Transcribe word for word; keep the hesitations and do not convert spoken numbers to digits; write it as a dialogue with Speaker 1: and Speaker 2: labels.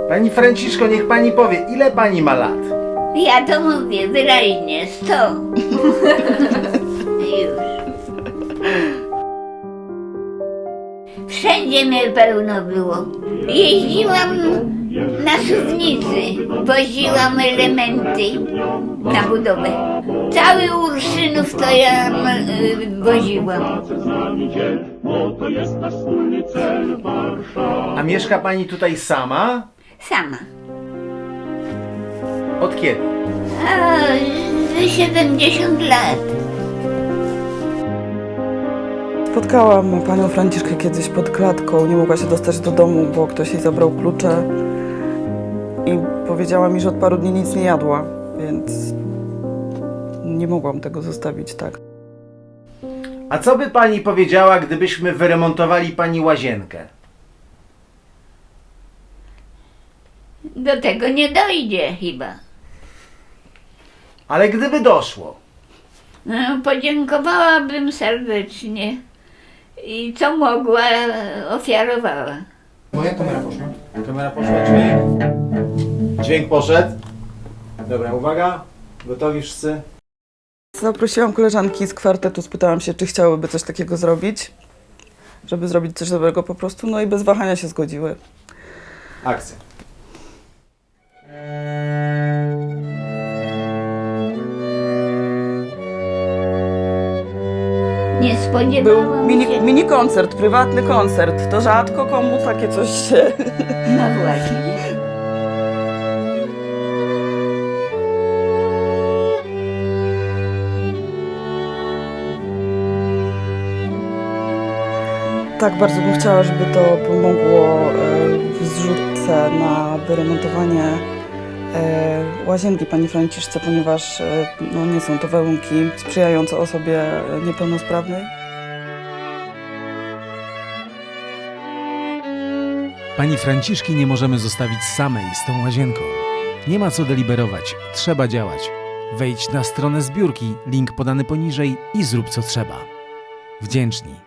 Speaker 1: Pani Franciszko, niech pani powie, ile pani ma lat?
Speaker 2: Ja to mówię wyraźnie, sto. Już. Wszędzie mnie pełno było. Jeździłam na suwnicy, woziłam elementy na budowę. Cały Urszynów to ja y, woziłam.
Speaker 1: A mieszka pani tutaj sama?
Speaker 2: Sama.
Speaker 1: Od kiedy?
Speaker 2: A, z siedemdziesiąt lat.
Speaker 3: Spotkałam panią Franciszkę kiedyś pod klatką, nie mogła się dostać do domu, bo ktoś jej zabrał klucze i powiedziała mi, że od paru dni nic nie jadła, więc nie mogłam tego zostawić tak.
Speaker 1: A co by pani powiedziała, gdybyśmy wyremontowali pani łazienkę?
Speaker 2: Do tego nie dojdzie chyba.
Speaker 1: Ale gdyby doszło?
Speaker 2: No, podziękowałabym serdecznie i co mogła, ofiarowała.
Speaker 1: Moja kamera poszła. Kamera poszła, dźwięk. Dźwięk poszedł. Dobra, uwaga. Gotowi wszyscy?
Speaker 3: Zaprosiłam koleżanki z kwartetu, spytałam się, czy chciałyby coś takiego zrobić, żeby zrobić coś dobrego po prostu, no i bez wahania się zgodziły.
Speaker 1: Akcja.
Speaker 2: Nie
Speaker 3: Był
Speaker 2: spodziewałam
Speaker 3: mini,
Speaker 2: się.
Speaker 3: mini koncert, prywatny koncert, to rzadko komu takie coś się...
Speaker 2: No właśnie.
Speaker 3: Tak, bardzo bym chciała, żeby to pomogło e, w zrzutce na wyremontowanie e, łazienki pani Franciszce, ponieważ e, no, nie są to warunki sprzyjające osobie niepełnosprawnej.
Speaker 4: Pani Franciszki nie możemy zostawić samej z tą łazienką. Nie ma co deliberować, trzeba działać. Wejdź na stronę zbiórki, link podany poniżej i zrób co trzeba. Wdzięczni.